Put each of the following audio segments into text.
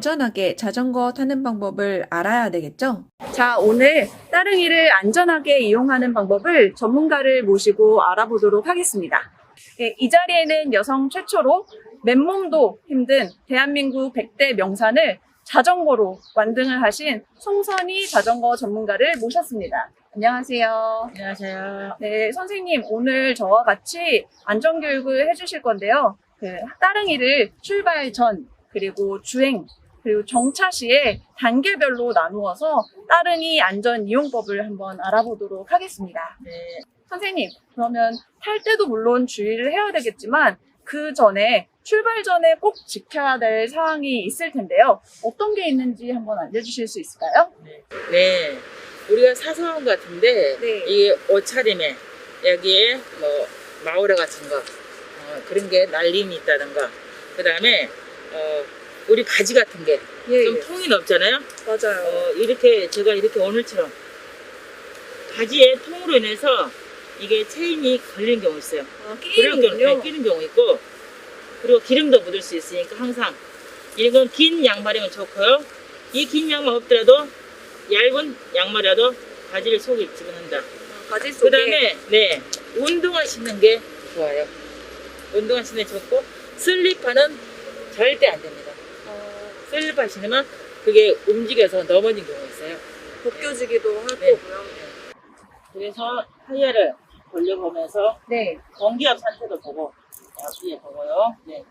안전하게 자전거 타는 방법을 알아야 되겠죠? 자, 오늘 따릉이를 안전하게 이용하는 방법을 전문가를 모시고 알아보도록 하겠습니다. 네, 이 자리에는 여성 최초로 맨몸도 힘든 대한민국 100대 명산을 자전거로 완등을 하신 송선희 자전거 전문가를 모셨습니다. 안녕하세요. 안녕하세요. 네, 선생님 오늘 저와 같이 안전교육을 해주실 건데요. 따릉이를 출발 전, 그리고 주행, 그리고 정차 시에 단계별로 나누어서 따릉이 안전 이용법을 한번 알아보도록 하겠습니다. 네, 선생님, 그러면 탈 때도 물론 주의를 해야 되겠지만 그 전에 출발 전에 꼭 지켜야 될 사항이 있을 텐데요. 어떤 게 있는지 한번 알려주실 수 있을까요? 네. 우리가 사소한 것 같은데 네. 이게 옷차림에 여기에 뭐 마우라 같은 거 그런 게 날림이 있다든가 그 다음에 우리 바지 같은 게 좀 예, 통이 넓잖아요. 맞아요. 이렇게 제가 이렇게 오늘처럼 바지에 통으로 인해서 이게 체인이 걸리는 경우 있어요. 그런 경우, 끼는군요. 끼는 경우 있고, 그리고 기름도 묻을 수 있으니까 항상 이건 긴 양말이면 좋고요. 이 긴 양말 없더라도 얇은 양말이라도 바지를 속에 집어넣는다. 바지 그 속에 다음에 네, 운동화 신는 게 좋아요. 운동화 신는 게 좋고 슬리퍼는 절대 안 됩니다. 슬리퍼 신으면 그게 움직여서 넘어진 경우가 있어요. 벗겨지기도 할 네. 거고요. 그래서 타이어를 돌려보면서 네. 공기압 상태도 보고 앞뒤에 보고요. 네.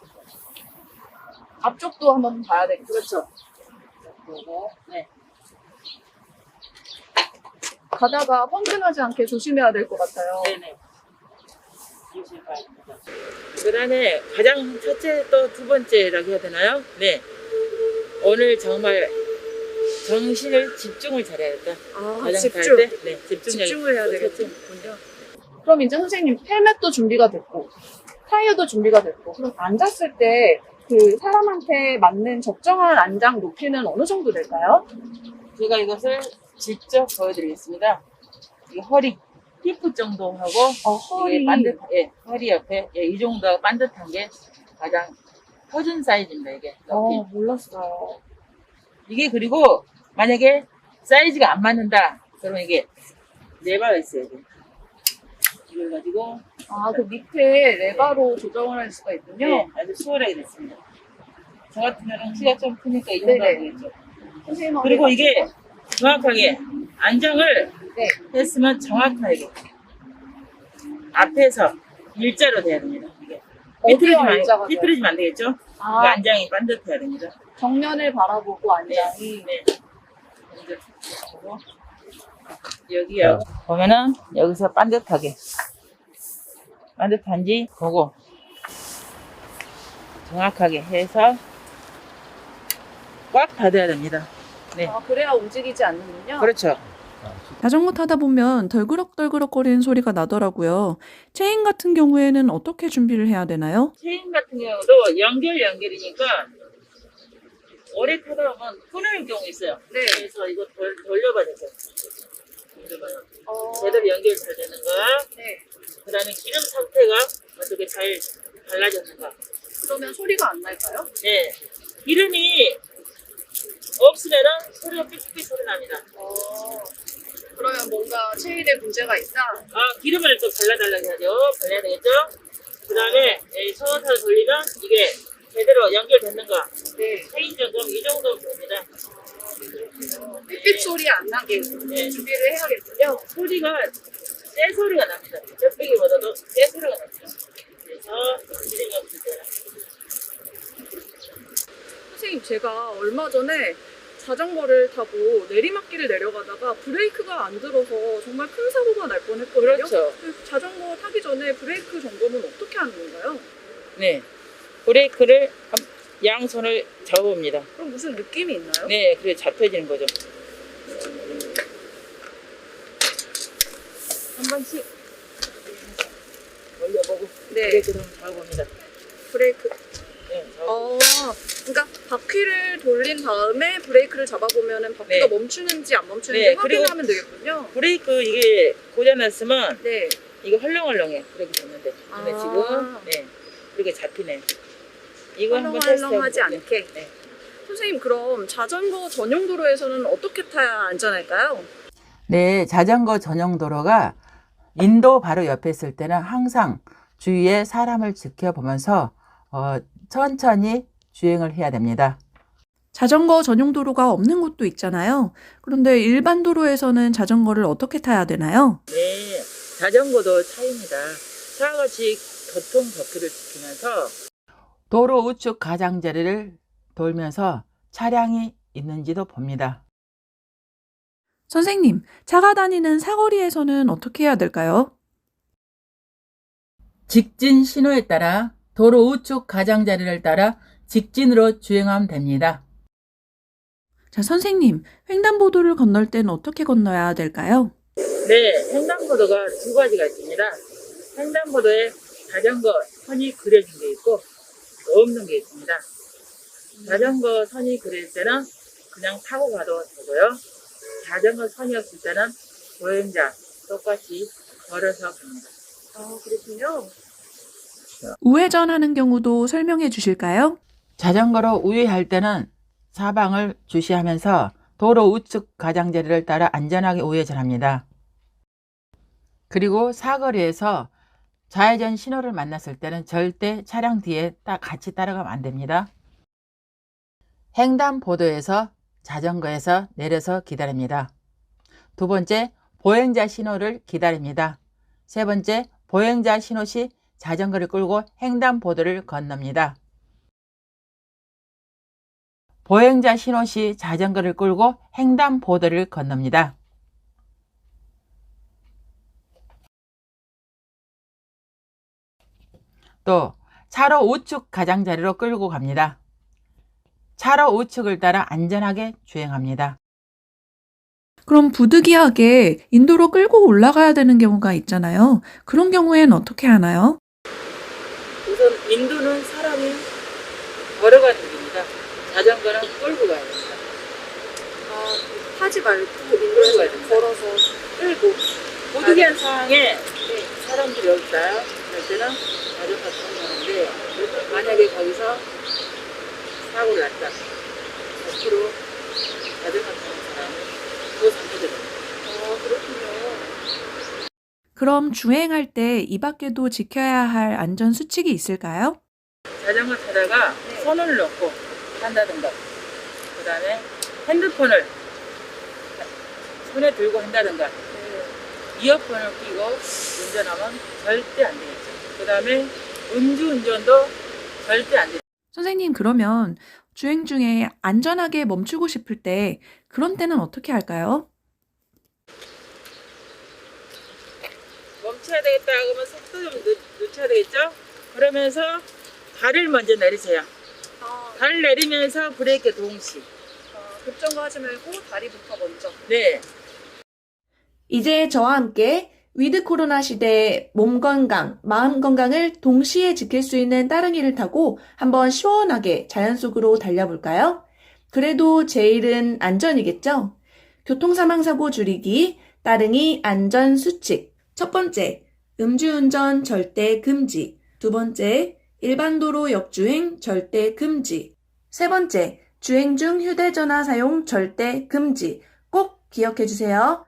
앞쪽도 한번 봐야 되겠죠. 그렇죠. 보고 네. 가다가 펑크나지 않게 조심해야 될 것 같아요. 네네. 그 다음에 가장 첫째 또 두 번째라고 해야 되나요? 네. 오늘 정말 정신을 집중을 잘해야겠다. 가장 집중. 갈 때? 네, 집중을 해야 또 첫째. 되겠군요. 그럼 이제 선생님 헬멧도 준비가 됐고 타이어도 준비가 됐고 그럼 앉았을 때 그 사람한테 맞는 적정한 안장 높이는 어느 정도 될까요? 제가 이것을 직접 보여드리겠습니다. 이 허리, 힙 정도 하고 허리. 이게 반듯, 예, 허리 옆에 이 정도 반듯한 게 가장 표준 사이즈입니다. 이게 높이. 몰랐어요. 이게 그리고 만약에 사이즈가 안 맞는다 그러면 이게 레버가 있어요. 이걸 가지고 그 밑에 레바로 조정을 할 수가 있군요. 네, 아주 수월하게 됐습니다. 저 같은 경우는 키가 좀 크니까 이 정도 네네. 되겠죠. 선생님 그리고 이게 정확하게 안정을 네. 했으면 정확하게 앞에서 일자로 돼야 됩니다. 이게 어디가 일자가 돼요? 삐뚤어지면 안 되겠죠? 그러니까 안장이 반듯해야 됩니다. 정면을 바라보고 안장이 네. 먼저 보고 여기요. 보면은 여기서 반듯한지 보고 정확하게 해서 꽉 닫아야 됩니다. 네. 그래야 움직이지 않는군요. 그렇죠. 자전거 타다 보면 덜그럭덜그럭 거리는 소리가 나더라고요. 체인 같은 경우에는 어떻게 준비를 해야 되나요? 체인 같은 경우도 연결이니까 오래 타다 보면 끊어질 경우 있어요. 네. 그래서 이거 돌려봐야 돼요. 돌려봐요. 제대로 연결 잘 되는가? 네. 그 다음에 기름 상태가 어떻게 잘 발라졌는가? 그러면 소리가 안 날까요? 네. 기름이 없으면은 소리가 삐삐삐 소리 납니다. 그러면 뭔가 체인에 문제가 있다? 기름을 또 발라달라고 해야죠. 발라야 되겠죠? 그 다음에 손으로 돌리면 이게 제대로 연결됐는가? 네. 체인 점검 이 정도 됩니다. 삐삐 소리 안 나게 네. 준비를 해야겠군요. 소리가 쇠 소리가 납니다. 쩍빼기보다도 쇠 소리가 납니다. 그래서 기름이 없을 때는 선생님, 제가 얼마 전에 자전거를 타고 내리막길을 내려가다가 브레이크가 안 들어서 정말 큰 사고가 날 뻔했거든요. 그렇죠. 자전거 타기 전에 브레이크 점검은 어떻게 하는 건가요? 네. 브레이크를 양손을 잡아봅니다. 그럼 무슨 느낌이 있나요? 네, 그래 잡혀지는 거죠. 한 번씩 올려보고 네. 브레이크를 한번 잡아봅니다. 브레이크. 네, 그러니까 바퀴를 돌린 다음에 브레이크를 잡아보면은 바퀴가 네. 멈추는지 안 멈추는지 네, 확인을 그리고 하면 되겠군요. 브레이크 이게 고장났으면 네. 이거 헐렁헐렁해. 브레이크 잡는데. 근데 지금 네, 그렇게 잡히네. 이거 한번 헐렁헐렁하지 테스트해보세요. 않게. 네. 선생님, 그럼 자전거 전용 도로에서는 어떻게 타야 안전할까요? 네, 자전거 전용 도로가 인도 바로 옆에 있을 때는 항상 주위에 사람을 지켜보면서 천천히 주행을 해야 됩니다. 자전거 전용 도로가 없는 곳도 있잖아요. 그런데 일반 도로에서는 자전거를 어떻게 타야 되나요? 네, 자전거도 차입니다. 차와 같이 교통 법규를 지키면서 도로 우측 가장자리를 돌면서 차량이 있는지도 봅니다. 선생님, 차가 다니는 사거리에서는 어떻게 해야 될까요? 직진 신호에 따라 도로 우측 가장자리를 따라 직진으로 주행하면 됩니다. 자, 선생님, 횡단보도를 건널 때는 어떻게 건너야 될까요? 네, 횡단보도가 두 가지가 있습니다. 횡단보도에 자전거 선이 그려진 게 있고 없는 게 있습니다. 자전거 선이 그릴 때는 그냥 타고 가도 되고요. 자전거 선이 없을 때는 보행자 똑같이 걸어서 갑니다. 아, 그렇군요. 우회전 하는 경우도 설명해 주실까요? 자전거로 우회할 때는 사방을 주시하면서 도로 우측 가장자리를 따라 안전하게 우회전합니다. 그리고 사거리에서 좌회전 신호를 만났을 때는 절대 차량 뒤에 같이 따라가면 안 됩니다. 횡단보도에서 자전거에서 내려서 기다립니다. 두 번째, 보행자 신호를 기다립니다. 세 번째, 보행자 신호 시 자전거를 끌고 횡단보도를 건넙니다. 보행자 신호 시 자전거를 끌고 횡단보도를 건넙니다. 또 차로 우측 가장자리로 끌고 갑니다. 차로 우측을 따라 안전하게 주행합니다. 그럼 부득이하게 인도로 끌고 올라가야 되는 경우가 있잖아요. 그런 경우에는 어떻게 하나요? 우선 인도는 사람이 걸어가는 길입니다. 자전거는 끌고 가야 됩니다. 아, 타지 말고 끌고 가야 됩니다. 걸어서 끌고. 부득이한 상황에 사람들이 여기 있다. 그럴 때는 자전거 타고 가는데 만약에 거기서 사고를 났다. 앞으로 자전거 타는 사람은 더 상처됩니다. 아, 그렇군요. 그럼 주행할 때 이 밖에도 지켜야 할 안전 수칙이 있을까요? 자전거 타다가 손을 놓고 한다든가 그 다음에 핸드폰을 손에 들고 한다든가 이어폰을 끼고 운전하면 절대 안 되겠죠. 그 다음에 음주운전도 절대 안 되죠. 선생님, 그러면 주행 중에 안전하게 멈추고 싶을 때 그런 때는 어떻게 할까요? 멈춰야 되겠다 그러면 속도 좀 늦춰야 되겠죠. 그러면서 발을 먼저 내리세요. 아, 발을 내리면서 브레이크 동시. 급정거하지 말고 다리부터 먼저. 네. 이제 저와 함께 위드 코로나 시대의 몸 건강, 마음 건강을 동시에 지킬 수 있는 따릉이를 타고 한번 시원하게 자연 속으로 달려볼까요? 그래도 제일은 안전이겠죠? 교통사망사고 줄이기, 따릉이 안전 수칙. 첫 번째, 음주운전 절대 금지. 두 번째, 일반 도로 역주행 절대 금지. 세 번째, 주행 중 휴대전화 사용 절대 금지. 꼭 기억해 주세요.